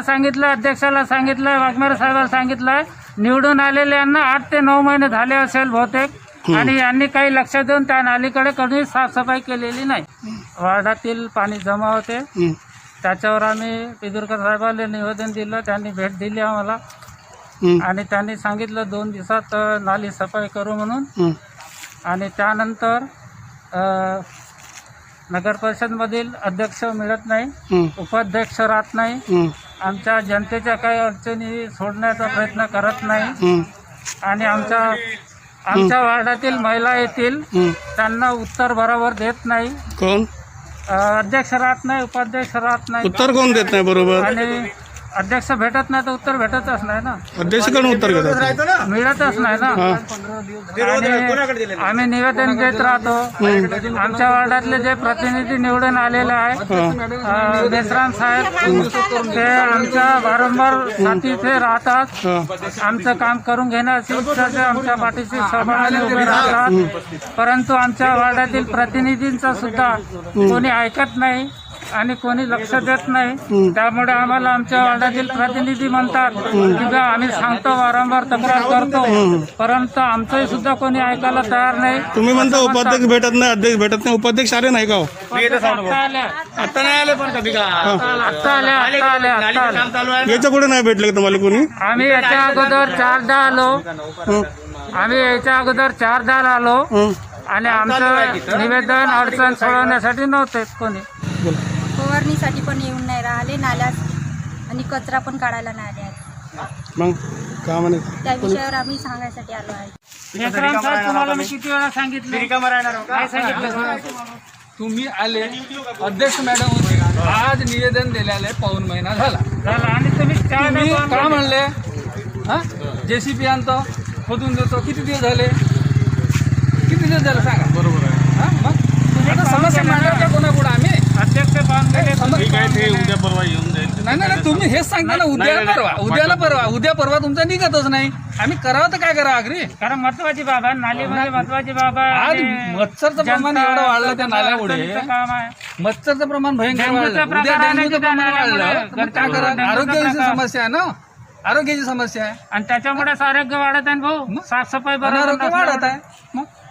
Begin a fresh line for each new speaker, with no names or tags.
सांगितलं, अध्यक्षाला सांगितलं, वाघमारे साहेबाला सांगितलं, निवडून आलेल्यांना 8 ते 9 महिने झाले असेल बहुतेक, आणि यांनी काही लक्ष देऊन त्या नालीकडे कधी साफसफाई केलेली नाही. वार्डातील पाणी जमा होते, त्याच्यावर आम्ही पिदुरकर साहेबांना निवेदन दिलं. त्यांनी भेट दिली आम्हाला आणि त्यांनी सांगितलं 2 दिवसात नाली सफाई करू म्हणून. आणि त्यानंतर नगर परिषदमधील अध्यक्ष मिळत नाही, उपाध्यक्ष राहत नाही, आमच्या जनतेच्या काही अडचणी सोडण्याचा प्रयत्न करत नाही, आणि आमच्या वार्डातील महिला येतील त्यांना उत्तर बरोबर देत नाही.
कोण
अध्यक्ष राहत नाही, उपाध्यक्ष राहत नाही,
उत्तर कोण देत नाही बरोबर?
आणि अध्यक्ष भेटत नाही तर उत्तर भेटतच नाही ना,
अध्यक्ष कोण उत्तर घेतात?
मिळतच नाही ना. आणि आम्ही निवेदन देत राहतो. आमच्या वार्डातले जे प्रतिनिधी निवडून आलेले आहेत, देसराम साहेब, ते आमच्या वारंवार साथी इथे राहतात, आमचं काम करून घेण्याची इच्छा ते आमच्या पाठीशी सहभागाने उभे राहतात. परंतु आमच्या वार्डातील प्रतिनिधींचा सुद्धा कोणी ऐकत नाही आणि कोणी लक्ष देत नाही. त्यामुळे आम्हाला आमच्या वार्डातील प्रतिनिधी म्हणतात की बा आम्ही सांगतो, वारंवार तक्रार करतो, परंतु आमचंही सुद्धा कोणी ऐकायला तयार नाही.
तुम्ही म्हणता उपाध्यक्ष भेटत नाही, अध्यक्ष भेटत नाही, उपाध्यक्ष आले नाही का?
आता नाही आले पण कधी का
आत्ता आल्या.
याच्या पुढे नाही भेटले का तुम्हाला कोणी?
आम्ही याच्या अगोदर 4दा आलो, आणि आमचं निवेदन अडचण सोडवण्यासाठी नव्हते कोणी.
फवारणीसाठी पण येऊन नाही राहिले नाल्यात, आणि कचरा पण काढायला नाही आले आहेत.
मग का म्हणे
त्या विषयावर आम्ही सांगायसाठी आलो आहे.
देसराम साहेब, तुम्हाला मी किती वेळा सांगितलं, काय सांगितलं?
तुम्ही आले, अध्यक्ष मॅडम होते, आज निवेदन दिलेलं आहे, पाऊण महिना झाला.
आणि तुम्ही
तुम्ही का म्हणले हा JCB आणतो, खोदून देतो, किती दिवस झाले? किती दिवस झाले सांगा? बरोबर आहे. हा मग आता समस्या मांडायच्या कोणापुढे आम्ही?
अध्यक्ष
उद्या परवा येऊन जाईल.
नाही, तुम्ही हेच सांगता ना, उद्या परवा तुमचा निघतच नाही. आम्ही करावं तर काय करावं आखरी?
कारण महत्वाची बाबा नालीमध्ये महत्वाची बाबा.
आज मच्छरचं प्रमाण एवढं वाढलं त्या नाल्यामुळे,
काम आहे.
मच्छरचं प्रमाण भयंकर वाढलं, उद्या डेंग्यूचं प्रमाण वाढलं, मग काय करा? आरोग्याची समस्या आहे ना, आरोग्याची समस्या आहे,
आणि त्याच्यामुळे आरोग्य वाढत आहे भाऊ. साफसफाई बरोबर
आरोग्य वाढत आहे.
मग